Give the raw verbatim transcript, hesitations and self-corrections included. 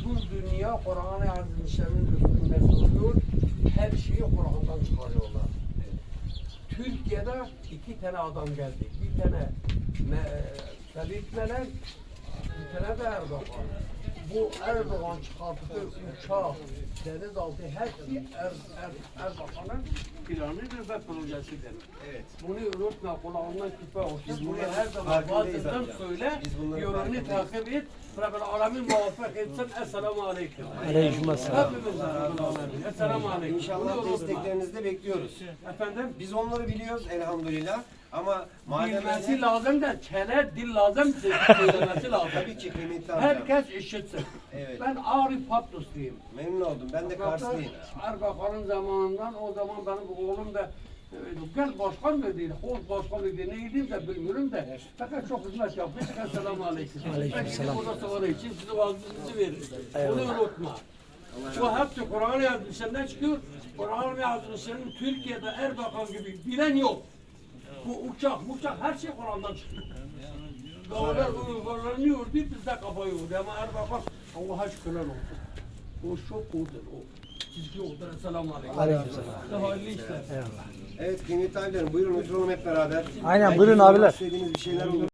bütün dünya Kur'an-ı Azimüşşan'ın üstünde duruyor. Her şeyi Kur'an'dan çıkarıyorlar. Türkiye'de iki tane adam geldi. Bir tane me, Ferit Melek, bir tane de Erdoğan. Bu Erdoğan çıkarttığı uçak, denizaltı hepsi er, er, Erdoğan'ın planıdır ve projesidir. Evet. Bunu unutma, kulağından küpe olsun. Biz Bunu bunların her zaman farkındayız vaazından amca. söyle, Biz bunların yolunu farkındayız. takip et. Rabbil Alemin muvaffak etsin. Esselamu Aleyküm. Aleykümselam. Hepimiz Rabbil Alemin. Esselamu Aleyküm. İnşallah Bunu unutma. desteklerinizi de bekliyoruz. Efendim? Biz onları biliyoruz elhamdülillah. Ama madem Bilmesi öyle, lazım da çene, dil lazım, söylemesi lazım. tabii ki kıymetli amcam. Herkes işitsin. Evet. Ben Arif Patlusluyum. Memnun oldum. Ben de Karslıyım. Erbakan'ın zamanından o zaman benim oğlum da e, gel başkan dedi, ol başkan dedi, neydi de bilmiyorum da fakat çok hizmet yapmış. Esselamu Aleyküm. Aleykümselam. Burada sonra için size vaazınızı verin. Bunu unutma. Bu hepsi Kur'an-ı Yazmışı'ndan çıkıyor. Kur'an-ı Yazmışı'nın Türkiye'de Erbakan gibi bilen yok. Bu uçak, uçak her şey Kur'an'dan çıkıyor. Dağlar uygulanıyordu, biz de kafa yordu ama Erbakan Allah'a şükürler olsun. O çok odur o. Çizgi odur. Esselamu Aleyküm. Aleykümselam. Hayırlı işler. Eyvallah. Evet kıymetli abilerim buyurun oturalım hep beraber. Aynen, Belki buyurun sormak abiler. İstediğiniz bir şeyler olur.